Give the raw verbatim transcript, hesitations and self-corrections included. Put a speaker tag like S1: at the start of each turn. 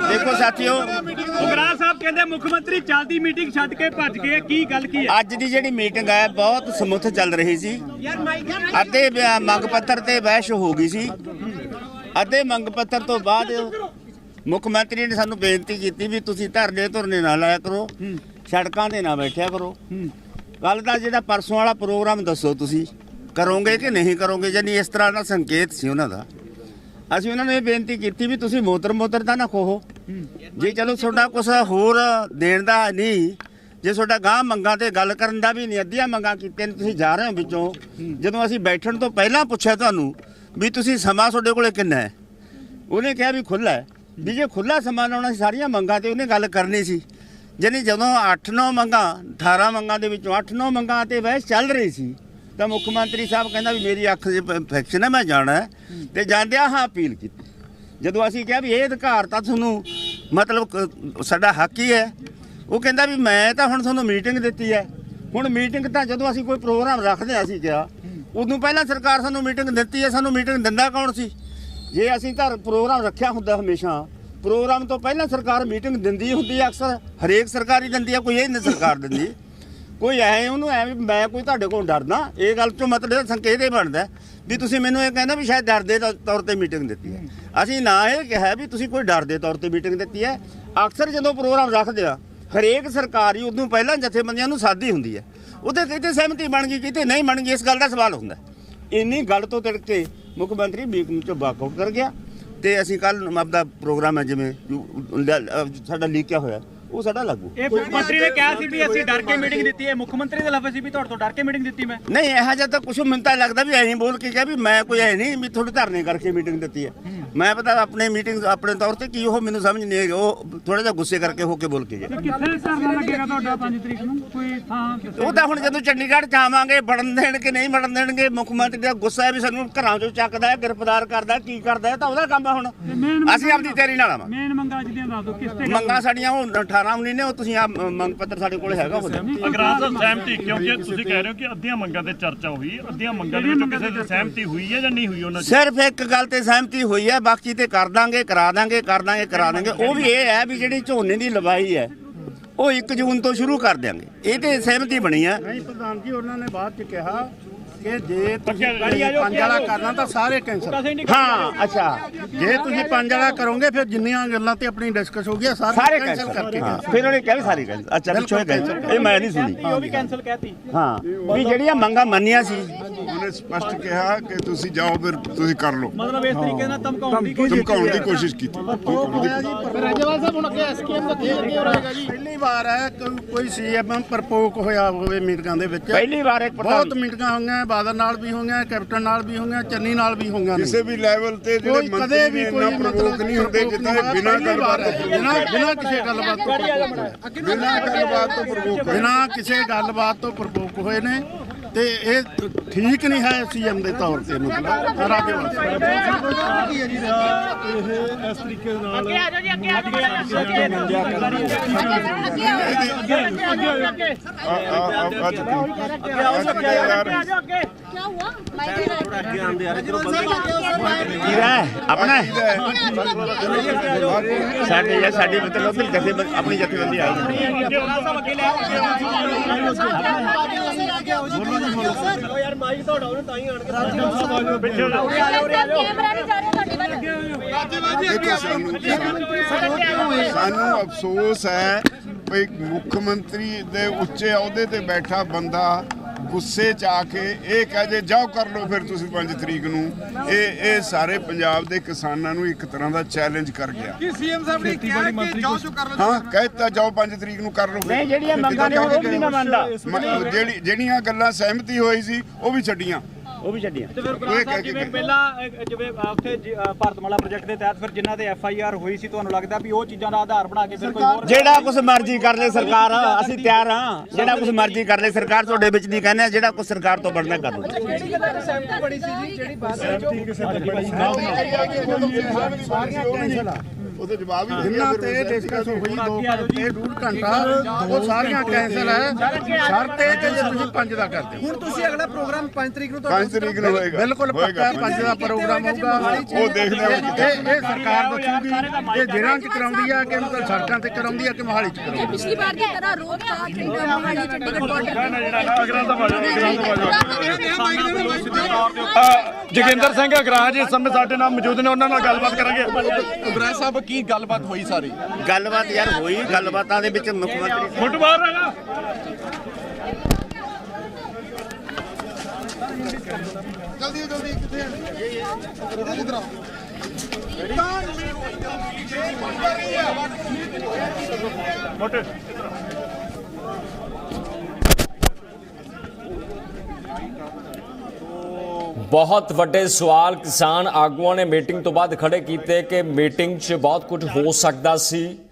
S1: देखो साथियों,
S2: ਉਗਰਾਹ ਸਾਹਿਬ ਕਹਿੰਦੇ ਮੁੱਖ ਮੰਤਰੀ ਚੱਲਦੀ ਮੀਟਿੰਗ ਛੱਡ ਕੇ ਭੱਜ ਗਏ, ਕੀ ਗੱਲ ਕੀ ਹੈ?
S1: ਅੱਜ ਦੀ ਜਿਹੜੀ ਮੀਟਿੰਗ ਹੈ ਬਹੁਤ ਸਮੁੱਥ ਚੱਲ ਰਹੀ ਸੀ। ਅੱਧੇ ਮੰਗ ਪੱਤਰ ਤੇ ਬਹਿਸ ਹੋ ਗਈ ਸੀ। ਅੱਧੇ ਮੰਗ ਪੱਤਰ ਤੋਂ ਬਾਅਦ ਮੁੱਖ ਮੰਤਰੀ ਨੇ ਸਾਨੂੰ ਬੇਨਤੀ ਕੀਤੀ ਵੀ ਤੁਸੀਂ ਧਰਨੇ ਧੁਰਨੇ ਨਾ ਲਾਇਆ ਕਰੋ, ਸੜਕਾਂ ਤੇ ਨਾ ਬੈਠਿਆ ਕਰੋ। ਕੱਲ ਦਾ ਜਿਹੜਾ ਪਰਸੋਂ ਵਾਲਾ ਪ੍ਰੋਗਰਾਮ ਦੱਸੋ ਤੁਸੀਂ ਕਰੋਗੇ ਕਿ ਨਹੀਂ ਕਰੋਗੇ, ਯਾਨੀ ਇਸ ਤਰ੍ਹਾਂ ਦਾ ਸੰਕੇਤ ਸੀ ਉਹਨਾਂ ਦਾ। ਅਸੀਂ ਉਹਨਾਂ ਨੂੰ ਇਹ ਬੇਨਤੀ ਕੀਤੀ ਵੀ ਤੁਸੀਂ ਮੋਤਰ ਮੋਤਰ ਤਾਂ ਨਾ ਖੋਹੋ, ਜੇ ਚਲੋ ਤੁਹਾਡਾ ਕੁਛ ਹੋਰ ਦੇਣ ਦਾ ਨਹੀਂ, ਜੇ ਤੁਹਾਡਾ ਗਾਂ ਮੰਗਾਂ ਤੇ ਗੱਲ ਕਰਨ ਦਾ ਵੀ ਨਹੀਂ, ਅੱਧੀਆਂ ਮੰਗਾਂ ਕੀਤੀਆਂ ਨੇ, ਤੁਸੀਂ ਜਾ ਰਹੇ ਹੋ ਵਿੱਚੋਂ। ਜਦੋਂ ਅਸੀਂ ਬੈਠਣ ਤੋਂ ਪਹਿਲਾਂ ਪੁੱਛਿਆ ਤੁਹਾਨੂੰ ਵੀ ਤੁਸੀਂ ਸਮਾਂ ਤੁਹਾਡੇ ਕੋਲੇ ਕਿੰਨਾ ਹੈ, ਉਹਨੇ ਕਿਹਾ ਵੀ ਖੁੱਲ੍ਹਾ ਹੈ। ਵੀ ਜੇ ਖੁੱਲ੍ਹਾ ਸਮਾਂ ਲਾਉਣਾ ਸੀ ਸਾਰੀਆਂ ਮੰਗਾਂ ਤੇ ਉਹਨੇ ਗੱਲ ਕਰਨੀ ਸੀ। ਯਾਨੀ ਜਦੋਂ ਅੱਠ ਨੌ ਮੰਗਾਂ ਅਠਾਰਾਂ ਮੰਗਾਂ ਦੇ ਵਿੱਚੋਂ ਅੱਠ ਨੌ ਮੰਗਾਂ ਤੇ ਬਹਿਸ ਚੱਲ ਰਹੀ ਸੀ ਤਾਂ ਮੁੱਖ ਮੰਤਰੀ ਸਾਹਿਬ ਕਹਿੰਦਾ ਵੀ ਮੇਰੀ ਅੱਖ 'ਚ ਇਨਫੈਕਸ਼ਨ ਹੈ, ਮੈਂ ਜਾਣਾ ਹੈ, ਤੇ ਜਾਂਦਿਆਂ ਹਾਂ ਅਪੀਲ ਕੀਤੀ। ਜਦੋਂ ਅਸੀਂ ਕਿਹਾ ਵੀ ਇਹ ਅਧਿਕਾਰ ਤਾਂ ਤੁਹਾਨੂੰ ਮਤਲਬ ਸਾਡਾ ਹੱਕ ਹੀ ਹੈ, ਉਹ ਕਹਿੰਦਾ ਵੀ ਮੈਂ ਤਾਂ ਹੁਣ ਤੁਹਾਨੂੰ ਮੀਟਿੰਗ ਦਿੱਤੀ ਹੈ। ਹੁਣ ਮੀਟਿੰਗ ਤਾਂ ਜਦੋਂ ਅਸੀਂ ਕੋਈ ਪ੍ਰੋਗਰਾਮ ਰੱਖਦੇ ਹਾਂ ਅਸੀਂ ਕਿਹਾ ਉਦੋਂ ਪਹਿਲਾਂ ਸਰਕਾਰ ਸਾਨੂੰ ਮੀਟਿੰਗ ਦਿੱਤੀ ਹੈ, ਸਾਨੂੰ ਮੀਟਿੰਗ ਦਿੰਦਾ ਕੌਣ ਸੀ? ਜੇ ਅਸੀਂ ਤਾਂ ਪ੍ਰੋਗਰਾਮ ਰੱਖਿਆ ਹੁੰਦਾ ਹਮੇਸ਼ਾ ਪ੍ਰੋਗਰਾਮ ਤੋਂ ਪਹਿਲਾਂ ਸਰਕਾਰ ਮੀਟਿੰਗ ਦਿੰਦੀ ਹੁੰਦੀ ਹੈ, ਅਕਸਰ ਹਰੇਕ ਸਰਕਾਰ ਹੀ ਦਿੰਦੀ ਹੈ, ਕੋਈ ਇਹ ਨਹੀਂ ਸਰਕਾਰ ਦਿੰਦੀ। ਕੋਈ ਐ ਉਹਨੂੰ ਐ ਵੀ ਮੈਂ ਕੋਈ ਤੁਹਾਡੇ ਕੋਲ ਡਰਦਾ, ਇਹ ਗੱਲ ਤੋਂ ਮਤਲਬ ਸੰਕੇਤ ਇਹ ਬਣਦਾ ਵੀ ਤੁਸੀਂ ਮੈਨੂੰ ਇਹ ਕਹਿੰਦਾ ਵੀ ਸ਼ਾਇਦ ਡਰ ਦੇ ਤੌਰ ਤੇ ਮੀਟਿੰਗ ਦਿੱਤੀ ਹੈ। ਅਸੀਂ ਨਾ ਇਹ ਕਿਹਾ ਵੀ ਤੁਸੀਂ ਕੋਈ ਡਰ ਦੇ ਤੌਰ ਤੇ ਮੀਟਿੰਗ ਦਿੱਤੀ ਹੈ। ਅਕਸਰ ਜਦੋਂ ਪ੍ਰੋਗਰਾਮ ਰੱਖਦੇ ਆ ਹਰੇਕ ਸਰਕਾਰ ਹੀ ਉਦੋਂ ਪਹਿਲਾਂ ਜਥੇਬੰਦੀਆਂ ਨੂੰ ਸਾਦੀ ਹੁੰਦੀ ਹੈ, ਉਹਦੇ ਕਿਤੇ ਸਹਿਮਤੀ ਬਣ ਗਈ ਕਿਤੇ ਨਹੀਂ ਬਣ ਗਈ, ਇਸ ਗੱਲ ਦਾ ਸਵਾਲ ਹੁੰਦਾ। ਇੰਨੀ ਗੱਲ ਤੋਂ ਤਿੜਕ ਕੇ ਮੁੱਖ ਮੰਤਰੀ ਮੀਟਿੰਗ ਚੋਂ ਵਾਕਆਊਟ ਕਰ ਗਿਆ ਤੇ ਅਸੀਂ ਕੱਲ ਆਪਦਾ ਪ੍ਰੋਗਰਾਮ ਹੈ ਜਿਵੇਂ ਸਾਡਾ ਲੀਕਿਆ ਹੋਇਆ ਉਹ ਸਾਡਾ ਲਾਗੂ।
S2: ਇਹ ਮੁੱਖ ਮੰਤਰੀ ਨੇ ਕਿਹਾ ਸੀ ਵੀ ਅਸੀਂ ਡਰ ਕੇ ਮੀਟਿੰਗ ਦਿੱਤੀ ਹੈ, ਮੁੱਖ ਮੰਤਰੀ ਦੇ ਲਫ਼ਜ਼ ਸੀ ਵੀ ਤੁਹਾਡੇ ਤੋਂ ਡਰ ਕੇ ਮੀਟਿੰਗ ਦਿੱਤੀ ਮੈਂ।
S1: ਨਹੀਂ ਇਹੋ ਜਿਹਾ ਤਾਂ ਕੁਛ ਮੈਨੂੰ ਤਾਂ ਲੱਗਦਾ ਵੀ ਐਂ ਬੋਲ ਕੇ ਕਿਹਾ ਵੀ ਮੈਂ ਕੋਈ ਐ ਨਹੀਂ ਵੀ ਤੁਹਾਡੇ ਧਰਨੇ ਕਰਕੇ ਮੀਟਿੰਗ ਦਿੱਤੀ ਹੈ। ਮੈਂ ਪਤਾ ਆਪਣੇ ਮੀਟਿੰਗ ਆਪਣੇ ਤੌਰ ਤੇ ਕੀ ਉਹ ਮੈਨੂੰ ਸਮਝ ਨਹੀਂ ਆਈ, ਉਹ ਥੋੜਾ ਜਿਹਾ ਗੁੱਸੇ ਕਰਕੇ ਹੋ ਕੇ ਬੋਲ ਕੇ ਗਿਆ।
S2: ਕਿੱਥੇ ਧਰਨਾ ਲੱਗੇਗਾ ਤੁਹਾਡਾ ਪੰਜ ਤਰੀਕ ਨੂੰ, ਕੋਈ ਥਾਂ?
S1: ਉਹ ਤਾਂ ਹੁਣ ਜਦੋਂ ਚੰਡੀਗੜ੍ਹ ਚ ਆਵਾਂਗੇ ਵੜਨ ਦੇਣ ਕਿ ਨਹੀਂ ਵੜਨ ਦੇਣਗੇ, ਮੁੱਖ ਮੰਤਰੀ ਦਾ ਗੁੱਸਾ ਹੈ ਵੀ ਸਾਨੂੰ ਘਰਾਂ ਚੋਂ ਚੱਕਦਾ ਹੈ, ਗ੍ਰਿਫਤਾਰ ਕਰਦਾ, ਕੀ ਕਰਦਾ, ਤਾਂ ਉਹਦਾ ਕੰਮ ਆ। ਹੁਣ ਅਸੀਂ ਆਪਣੀ ਤਿਆਰੀ ਨਾਲ ਆਵਾਂਗੇ।
S2: ਮੇਨ ਮੰਗਾਂ ਜਿਹੜੀਆਂ ਦੱਸ ਦਿਓ ਕਿਸ ਤੇ
S1: ਮੰਗਾਂ ਸਾਡੀਆਂ ਉਹ ਅਠਾਰਾਂ ਉੱਨੀ ਨੇ, ਉਹ ਤੁਸੀਂ ਆ ਮੰਗ ਪੱਤਰ ਸਾਡੇ ਕੋਲ ਹੈਗਾ ਉਹ।
S3: ਅਗਰਾਹ ਸਾਹਿਬ ਸਹਿਮਤੀ, ਕਿਉਂਕਿ ਤੁਸੀਂ ਕਹਿ ਰਹੇ ਹੋ ਕਿ ਅੱਧੀਆਂ ਮੰਗਾਂ ਤੇ ਚਰਚਾ ਹੋਈ, ਅੱਧੀਆਂ ਮੰਗਾਂ ਦੇ ਵਿੱਚੋਂ ਕਿਸੇ ਦੀ ਸਹਿਮਤੀ ਹੋਈ ਹੈ ਜਾਂ ਨਹੀਂ ਹੋਈ? ਉਹਨਾਂ
S1: ਸਿਰਫ ਇੱਕ ਗੱਲ ਤੇ ਸਹਿਮਤੀ ਹੋਈ ਹੈ, ਬਾਕੀ ਤੇ ਕਰ ਦਾਂਗੇ ਕਰਾ ਦਾਂਗੇ ਕਰ ਦਾਂਗੇ ਕਰਾ ਦਾਂਗੇ। ਉਹ ਵੀ ਇਹ ਹੈ ਵੀ ਜਿਹੜੀ ਝੋਨੇ ਦੀ ਲਵਾਈ ਹੈ ਉਹ ਇੱਕ ਜੂਨ ਤੋਂ ਸ਼ੁਰੂ ਕਰ ਦਿਆਂਗੇ, ਇਹ ਤੇ ਸਹਿਮਤੀ ਬਣੀ ਹੈ।
S4: ਨਹੀਂ ਪ੍ਰਧਾਨ ਜੀ, ਉਹਨਾਂ ਨੇ ਬਾਅਦ ਚ ਕਿਹਾ ਕਿ ਜੇ ਤੁਸੀਂ ਪੰਜ ਵਾਲਾ ਕਰਨਾ ਤਾਂ ਸਾਰੇ ਕੈਂਸਲ।
S1: ਹਾਂ ਅੱਛਾ,
S4: ਜੇ ਤੁਸੀਂ ਪੰਜ ਵਾਲਾ ਕਰੋਗੇ ਫਿਰ ਜਿੰਨੀਆਂ ਗੱਲਾਂ ਤੇ ਆਪਣੀ ਡਿਸਕਸ ਹੋ ਗਿਆ
S1: ਸਾਰੇ
S4: ਕੈਂਸਲ
S1: ਕੈਂਸਲ
S4: ਕਰਕੇ।
S1: ਹਾਂ ਫਿਰ ਉਹਨੇ ਕਿਹਾ ਵੀ ਸਾਰੀ ਕੈਂਸਲ। ਅੱਛਾ ਪਿੱਛੋਂ ਕੈਂਸਲ, ਇਹ ਮੈਂ ਨਹੀਂ ਸੁਣੀ।
S2: ਉਹ ਵੀ ਕੈਂਸਲ ਕਹਿਤੀ।
S1: ਹਾਂ ਵੀ ਜਿਹੜੀਆਂ ਮੰਗਾਂ ਮੰਨੀਆਂ ਸੀ
S5: ਉਹਨੇ ਸਪਸ਼ਟ ਕਿਹਾ ਕਿ ਤੁਸੀਂ ਜਾਓ ਫਿਰ ਤੁਸੀਂ ਕਰ ਲਓ,
S2: ਮਤਲਬ ਇਸ ਤਰੀਕੇ ਨਾਲ ਧਮਕਾਉਣ ਦੀ ਕੋਸ਼ਿਸ਼
S5: ਧਮਕਾਉਣ ਦੀ ਕੋਸ਼ਿਸ਼ ਕੀਤੀ।
S4: ਰਾਜੇਵਾਲ ਸਾਹਿਬ ਹੁਣ ਅੱਗੇ ਐਸਕੇਐਮ ਦਾ ਕੀ ਅੱਗੇ ਹੋ ਰਹੇਗਾ ਜੀ? ਪਹਿਲੀ ਵਾਰ ਹੈ ਕੋਈ ਸੀਐਮ ਪ੍ਰਪੋਕ ਹੋਇਆ ਹੋਵੇ ਮੀਟਿੰਗਾਂ ਦੇ ਵਿੱਚ।
S1: ਪਹਿਲੀ ਵਾਰ ਇੱਕ
S4: ਬਹੁਤ ਮੀਟਿੰਗਾਂ ਹੋਈਆਂ, ਬਾਦਲ ਨਾਲ ਵੀ ਹੋਈਆਂ, ਕੈਪਟਨ ਨਾਲ ਵੀ ਹੋਈਆਂ, ਚੰਨੀ ਨਾਲ ਵੀ ਹੋਈਆਂ।
S5: ਕਿਸੇ ਵੀ ਲੈਵਲ ਤੇ ਜਿਹੜੇ ਮੰਤਰੀ ਨੇ ਇੰਨਾ ਪ੍ਰਵੋਕ ਨਹੀਂ ਹੁੰਦੇ ਜਿੱਦਾਂ ਬਿਨਾਂ ਗੱਲਬਾਤ ਤੋਂ
S4: ਬਿਨਾਂ ਬਿਨਾਂ ਕਿਸੇ ਗੱਲਬਾਤ ਤੋਂ
S5: ਬਿਨਾਂ ਗੱਲਬਾਤ ਤੋਂ ਪ੍ਰਵੋਕ
S4: ਬਿਨਾਂ ਕਿਸੇ ਗੱਲਬਾਤ ਤੋਂ ਪ੍ਰਪੋਕ ਹੋਏ ਨੇ ਤੇ ਇਹ ਠੀਕ ਨਹੀਂ ਹੈ ਸੀਐਮ ਦੇ ਤੌਰ ਤੇ। ਮਤਲਬ ਰਾਜੇਵਾਲ
S3: ਇਹ ਇਸ ਤਰੀਕੇ ਨਾਲ
S6: ਅੱਗੇ ਆ ਜਾਓ ਜੀ, ਅੱਗੇ ਆ ਜਾਓ, ਅੱਗੇ ਅੱਗੇ क्या हुआ?
S1: अपना साढ़े या साढ़े मतलब जैसे अपनी जथेबंदी आई
S6: यार माइक तो डाउन ताई आण के कैमरा नहीं जा रहा
S5: ਦੇਖੋ ਸਾਨੂੰ ਸਾਨੂੰ ਅਫਸੋਸ ਹੈ ਵੀ ਮੁੱਖ ਮੰਤਰੀ ਦੇ ਉੱਚੇ ਅਹੁਦੇ ਤੇ ਬੈਠਾ ਬੰਦਾ ਗੁੱਸੇ 'ਚ ਆ ਕੇ ਇਹ ਕਹਿ ਜੇ ਜਾਓ ਕਰ ਲਓ ਫਿਰ ਤੁਸੀਂ ਪੰਜ ਤਰੀਕ ਨੂੰ। ਇਹ ਇਹ ਸਾਰੇ ਪੰਜਾਬ ਦੇ ਕਿਸਾਨਾਂ ਨੂੰ ਇੱਕ ਤਰ੍ਹਾਂ ਦਾ ਚੈਲੰਜ ਕਰ ਗਿਆ।
S4: ਕੀ ਸੀਐਮ ਸਾਹਿਬ ਨੇ ਕਿਹਾ ਕਿ ਜਾਓ ਜੋ ਕਰ ਲਓ?
S5: ਹਾਂ ਕਹਿਤਾ ਜਾਓ ਪੰਜ ਤਰੀਕ ਨੂੰ ਕਰ ਲਓ।
S1: ਨਹੀਂ ਜਿਹੜੀਆਂ ਮੰਗਾਂ ਨੇ ਉਹ ਵੀ ਨਹੀਂ ਮੰਨਦਾ,
S5: ਜਿਹੜੀ ਜਿਹੜੀਆਂ ਗੱਲਾਂ ਸਹਿਮਤੀ ਹੋਈ ਸੀ ਉਹ ਵੀ ਛੱਡੀਆਂ,
S1: ਉਹ ਵੀ ਛੱਡੀਆਂ।
S2: ਤੇ ਫਿਰ ਗੁਰਨਾਮ ਸਾਹਿਬ ਜਿਵੇਂ ਪਹਿਲਾਂ ਜਿਵੇਂ ਉੱਥੇ ਭਾਰਤਮਾਲਾ ਪ੍ਰੋਜੈਕਟ ਦੇ ਤਹਿਤ ਫਿਰ ਜਿਨ੍ਹਾਂ ਤੇ ਐਫ ਆਈ ਆਰ ਹੋਈ ਸੀ, ਤੁਹਾਨੂੰ ਲੱਗਦਾ ਵੀ ਉਹ ਚੀਜ਼ਾਂ ਦਾ ਆਧਾਰ ਬਣਾ ਕੇ ਫਿਰ ਕੋਈ ਹੋਰ
S1: ਜਿਹੜਾ ਕੁਝ ਮਰਜ਼ੀ ਕਰ ਲੈ ਸਰਕਾਰ, ਅਸੀਂ ਤਿਆਰ ਹਾਂ। ਜਿਹੜਾ ਕੁਝ ਮਰਜ਼ੀ ਕਰ ਲੈ ਸਰਕਾਰ, ਤੁਹਾਡੇ ਵਿੱਚ ਨਹੀਂ ਕਹਿੰਦੇ, ਜਿਹੜਾ ਕੁਝ ਸਰਕਾਰ ਤੋਂ ਬਣਨਾ ਕਰ ਲਓ।
S6: ਕਿਹੜੀ ਗੱਲਾਂ ਤੇ ਸਹਿਮਤੀ ਬਣੀ ਸੀ ਜੀ? ਜਿਹੜੀ ਬੱਸ
S3: ਸਹਿਮਤੀ ਕਿਸੇ ਤੇ ਬਣੀ
S4: ਸਾਰੀਆਂ ਕੈਂਸਲ ਆ।
S5: ਉਹਦੇ ਜਵਾਬ ਹੀ
S4: ਜਿੰਨਾ ਤੇ ਡਿਸਕਸ ਹੋਈ ਦੋ ਘੰਟੇ ਡੂਢ ਘੰਟਾ ਉਹ ਸਾਰੀਆਂ ਕੈਂਸਲ ਹੈ ਸ਼ਰਤ ਇਹ ਕਿ ਜੇ ਤੁਸੀਂ ਪੰਜ ਦਾ ਕਰਦੇ ਹੋ।
S7: ਹੁਣ ਤੁਸੀਂ ਅਗਲਾ ਪ੍ਰੋਗਰਾਮ ਪੰਜ ਤਰੀਕ ਨੂੰ
S5: ਪੰਜ ਤਰੀਕ ਨੂੰ ਹੋਏਗਾ
S4: ਬਿਲਕੁਲ ਪੱਕਾ ਪੰਜ ਦਾ ਪ੍ਰੋਗਰਾਮ ਹੋਊਗਾ।
S5: ਉਹ ਦੇਖਦੇ ਹਾਂ
S4: ਇਹ ਇਹ ਸਰਕਾਰ ਦੱਸੂਗੀ ਇਹ ਜ਼ਿਲ੍ਹਿਆਂ 'ਚ ਕਰਾਉਂਦੀ ਆ ਕਿ ਮਤਲਬ ਸੜਕਾਂ ਤੇ ਕਰਾਉਂਦੀ ਆ ਕਿ ਮੋਹਾਲੀ 'ਚ ਕਰਾਉਂਦੀ ਆ।
S6: ਪਿਛਲੀ ਵਾਰ ਦੀ ਤਰ੍ਹਾਂ ਰੋਜ਼ ਦਾ ਮੋਹਾਲੀ ਚੰਡੀਗੜ੍ਹ
S3: ਜੋਗਿੰਦਰ ਸਿੰਘ ਅਗਰਾਜ ਇਸ ਸਮੇਂ ਸਾਡੇ ਨਾਲ ਮੌਜੂਦ ਨੇ, ਉਹਨਾਂ ਨਾਲ ਗੱਲਬਾਤ ਕਰਾਂਗੇ।
S7: ਉਗਰਾ ਸਾਹਿਬ ਕੀ ਗੱਲਬਾਤ ਹੋਈ ਸਾਰੀ?
S1: ਗੱਲਬਾਤ ਯਾਰ ਹੋਈ, ਗੱਲਬਾਤਾਂ ਦੇ ਵਿੱਚ ਮੁੱਖ ਮੰਤਰੀ
S3: ਫੁੱਟ ਬਾਹਰ ਹੈਗਾ।
S7: ਜਲਦੀ ਜਲਦੀ ਕਿੱਥੇ ਇਧਰ ਆਓ।
S3: ਮੋਟੇ
S8: ਬਹੁਤ ਵੱਡੇ ਸਵਾਲ ਕਿਸਾਨ ਆਗੂਆਂ ਨੇ ਮੀਟਿੰਗ ਤੋਂ ਬਾਅਦ ਖੜੇ ਕੀਤੇ ਕਿ ਮੀਟਿੰਗ 'ਚ ਬਹੁਤ ਕੁਝ ਹੋ ਸਕਦਾ ਸੀ।